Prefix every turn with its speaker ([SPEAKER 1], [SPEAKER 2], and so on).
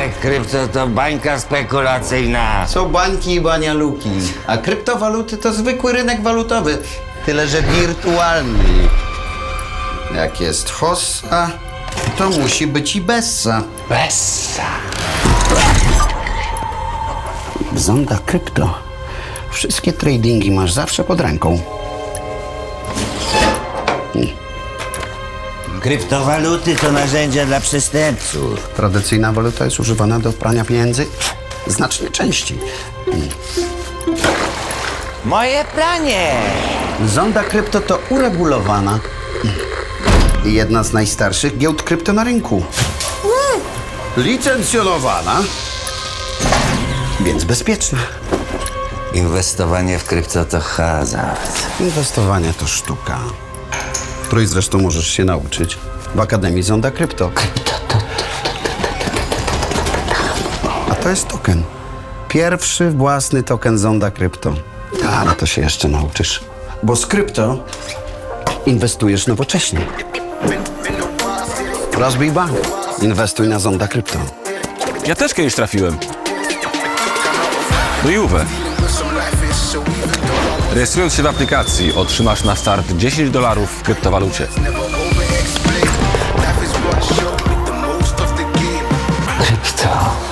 [SPEAKER 1] krypto to bańka spekulacyjna.
[SPEAKER 2] Są bańki i banialuki, a kryptowaluty to zwykły rynek walutowy, tyle że wirtualny. Jak jest hossa, to musi być i bessa.
[SPEAKER 1] Bessa.
[SPEAKER 2] Zonda Krypto. Wszystkie tradingi masz zawsze pod ręką.
[SPEAKER 1] Kryptowaluty to narzędzia dla przestępców.
[SPEAKER 2] Tradycyjna waluta jest używana do prania pieniędzy znacznie częściej.
[SPEAKER 1] Moje pranie!
[SPEAKER 2] Zonda Krypto to uregulowana i jedna z najstarszych giełd krypto na rynku. Licencjonowana, więc bezpieczna.
[SPEAKER 1] Inwestowanie w krypto to hazard.
[SPEAKER 2] Inwestowanie to sztuka, której zresztą możesz się nauczyć w Akademii Zonda Krypto. A to jest token. Pierwszy własny token Zonda Krypto. Ale to się jeszcze nauczysz. Bo z krypto inwestujesz nowocześnie. Rozbij bank. Inwestuj na Zonda Krypto.
[SPEAKER 3] Ja też kiedyś trafiłem. Do Juve. Rejestrując się w aplikacji, otrzymasz na start $10 w kryptowalucie.
[SPEAKER 1] Krypto.